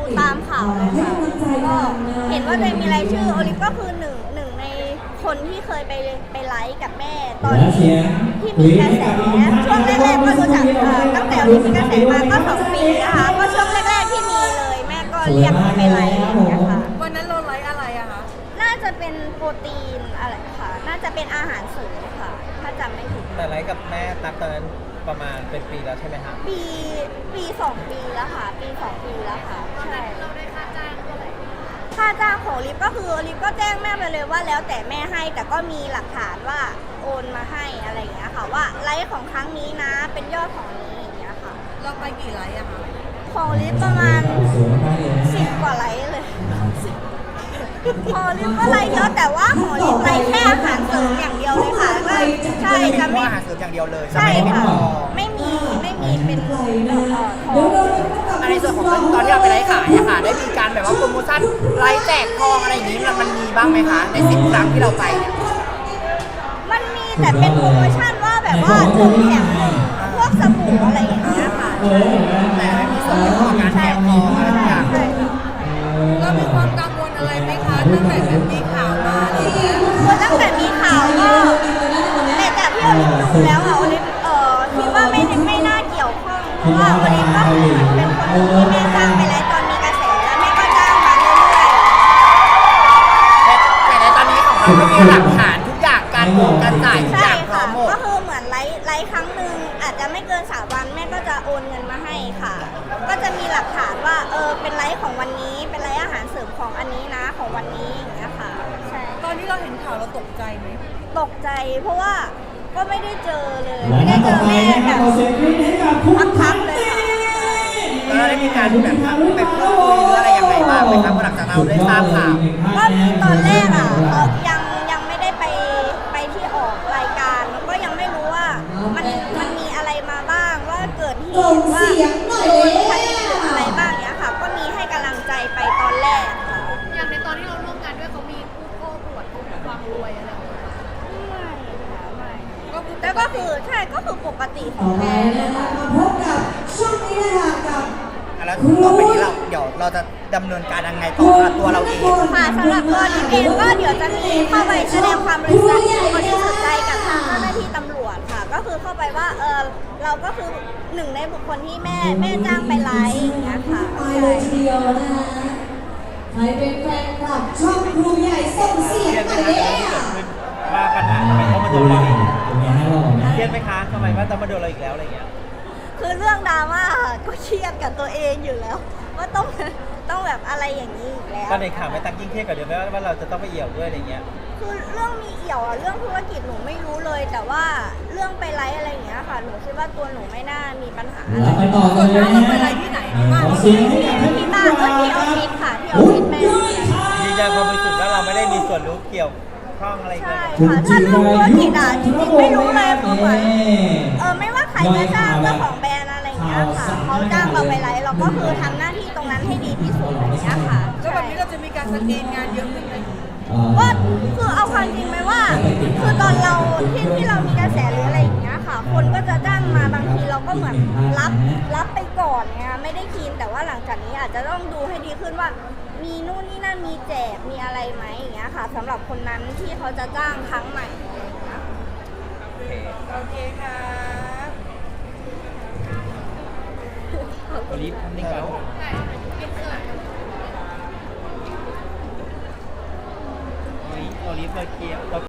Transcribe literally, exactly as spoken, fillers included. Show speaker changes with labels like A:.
A: ตามข่าวเลยค่ะก็เห็นว่าตัวเองมีรายชื่อโอลิฟก็คือหนึ่งหนึ่งในคนที่เคยไปไปไลฟ์กับแม่ตอนที่ที่มีกระแสช่วงแรกๆก็รู้จักตั้งแต่โอลิฟมีกระแสมาก็สองปีนะคะก็ช่วงแรกๆที่มีเลยแม่ก็เรียกไปไลฟ์นะคะ
B: วันนั้นเราไลฟ์อะไรอะคะ
A: น่าจะเป็นโปรตีนอะไรค่ะน่าจะเป็นอาหารเสริมค่ะถ้าจำไม่ผิด
C: แต่ไลฟ์กับแม่ตั๊กตอนนั้นประมาณเป็นปีแล้วใช่ไหมคะ
A: ปีปีสองปีแล้วค่ะปีสองปีแล้วค่ะใช่
B: เราได้ค่าจ้างเท่าไหร่
A: ค่าจ้างของลิฟก็คือลิฟก็แจ้งแม่ไปเลยว่าแล้วแต่แม่ให้แต่ก็มีหลักฐานว่าโอนมาให้อะไรอย่างเงี้ยค่ะว่าไลฟ์ของครั้งนี้นะเป็นยอดของนี้อย่างเงี้ยค่ะ
B: เราไปกี่ไลฟ์อะคะ
A: ของลิฟประมาณสิบกว่าไลฟ์เลยของลิฟก็ไลฟ์เยอะแต่ว่าของลิฟไลฟ์แค่อาหารเสริมอย่างเดียวเลยค่ะก็ใช่จะไม่
C: อาหารเสริมอย่างเดียวเลย
A: ใช่ค่ะไม่มีไม่มีเป็นทอง
C: ในส่วนของตอนที่เราไปไลฟ์ขายอะค่ะได้มีการแบบว่าโปรโมชั่นไลฟ์แจกทองอะไรอย่างนี้มันมีบ้างไหมคะในสิบครั้งที่เราไปเนี่ย
A: มันมีแต่เป็นโปรโมชั่นว่าแบบว่าหนึ่งแถมหนึ่งพวกสบู่อะไรอย่างเงี้ยค่ะ
C: แต่ไม่มีส่วนเกี่ยวกับการแจกทองอะไรอย่างเงี้ย
B: เรามีความกังวลอะไรไหมคะตั้งแต่แบบมีข่าวมาอะไรอย่างเงี้ย
A: คือตั้งแต่มีข่าวก็แต่จากที่โอลิฟดูแล้วอะโอลิฟเอ่อคิดว่าไม่ไม่น่าเกี่ยวข้องเพราะว่าโอลิฟก็คือเป็นคนที่แม่จ้างไปแล้วตอนมีกระแสแล้วแม่ก็จ้างมาเรื่อย
C: ๆแต่ในตอนนี้ของเราก็มีหลักฐานทุกอย่างการโอนการจ่ายทุกอย่างพร้อมหมด
A: ก็คือเหมือนไลฟ์ไลฟ์ครั้งหนึ่งอาจจะไม่เกินสามวันแม่ก็จะโอนเงินมาให้ค่ะก็จะมีหลักฐานว่าเออเป็นไลฟ์ของวันนี้เป็นไลฟ์อาหารเสริมของอันนี้นะของวันนี้อย่างเงี้ยค่ะใช่
B: ตอนที่เราเห็นข่าวเราตกใจไหม
A: ตกใจเพราะว่าก็ไม่ได้เจอเลยไม่ได้เจอแม่แบบพักๆเลยค่ะ
C: แล้วเราได้มีการแบบไปพูดคุยหรืออะไรยังไงบ้างไหมครับหลังจากเราได้ทราบข่าว
A: ก็มีตอนแรกอ่ะเขายังยังไม่ได้ไปไปที่ออกรายการแล้วก็ยังไม่รู้ว่ามันมันมีอะไรมาบ้างว่าเกิดเหตุว่าโดนคดีอะไรบ้างเนี้ยค่ะก็มีให้กำลังใจไปตอนแรกค่ะ
B: อย่างในตอนที่เราร่วมงานด้วยเขามีผู้โอ้ปวดความรวยอะไร
A: แล้วก็คือใช่ก็คือปกติของแม่เลยค่ะ
D: พบกับช่วงนี้นะคะกับ
C: แล้วต่อไปนี้เราเดี๋ยวเราจะดำเนินการยังไงต่อสำหรับตัวเราเอง
A: ค่ะสำหรับตัวดิเองก็เดี๋ยวจะมีเข้าไปแสดงความบริสุทธิ์บริสุทธิ์ใจกับทางเจ้าหน้าที่ตำรวจค่ะก็คือเข้าไปว่าเออเราก็คือหนึ่งในบุคคลที่แม่แม่จ้างไปไลฟ์อย่างเงี้ยค่ะ
D: ไปเลยทีเดียวนะคะใครเป็นแฟนคลับช่องครูใหญ่ส่งเสียงไปเลย
C: ว่าปัญหาทำไมต้องมาโดนเราอีกเครียดไหมคะทำไมว่าต้องมาโดนเราอีกแล้วอะไรเงี้ย
A: คือเรื่องดราม่าก็เครียดกับตัวเองอยู่แล้วว่าต้องต้องแบบอะไรอย่างนี้อีกแล้ว
C: ตอนในข่าวไม่ตั้งยิ่งเครียดกว่าเดิมไหมว่าเราจะต้องไปเอี่ยวด้วยอะไรเงี้ย
A: คือเรื่องมีเอี่ยวอะเรื่องธุรกิจหนูไม่รู้เลยแต่ว่าเรื่องไปไลฟ์อะไรอย่างเงี้ยค่ะหนูคิดว่าตัวหนูไม่น่ามีปัญหาอะไร
D: ไปต่อเลยนะ
B: เราไปไลฟ์ที่ไหนที่บ้าน
A: ที่ที่บ้านก็ที่ออฟฟิศค่ะที่ออฟฟิศแม่
C: ยืนยันความบริสุทธิ์ว่าเราไม่ได้มีส่วนรู้เกี่ยวข้องอะไรกัน
A: ใช่ค่ะถ้าเรื่องธุรกิจอ่ะจริงๆไม่รู้เลยคือเหมือนเออไม่ว่าใครจะจ้างเจ้าของแบรนด์อะไรอย่างเงี้ยค่ะเขาจ้างเราไปไลฟ์เราก็คือทำหน้าที่ตรงนั้นให้ดีที่สุดอย่างเงี้ยค่ะ
B: แล้วแบบนี้เราจะมีการสกรีนงานเยอะขึ้นไหม
A: ก็คือเอาความจริงไหมว่าคือตอนเราที่ที่เรามีกระแสหรืออะไรอย่างเงี้ยค่ะคนก็จะจ้างมาบางทีเราก็เหมือนรับรับไปก่อนไงไม่ได้คินแต่ว่าหลังจากนี้อาจจะต้องดูให้ดีขึ้นว่ามีนู่นนี่นั่นมีแจกมีอะไรไหมอย่างเงี้ยค่ะสำหรับคนนั้นที่เขาจะจ้างครั้งใหม่
B: โอเคค่ะ
C: โอลิฟทำนี่ก่อนโอลิฟโอลิฟเราเกี่ยว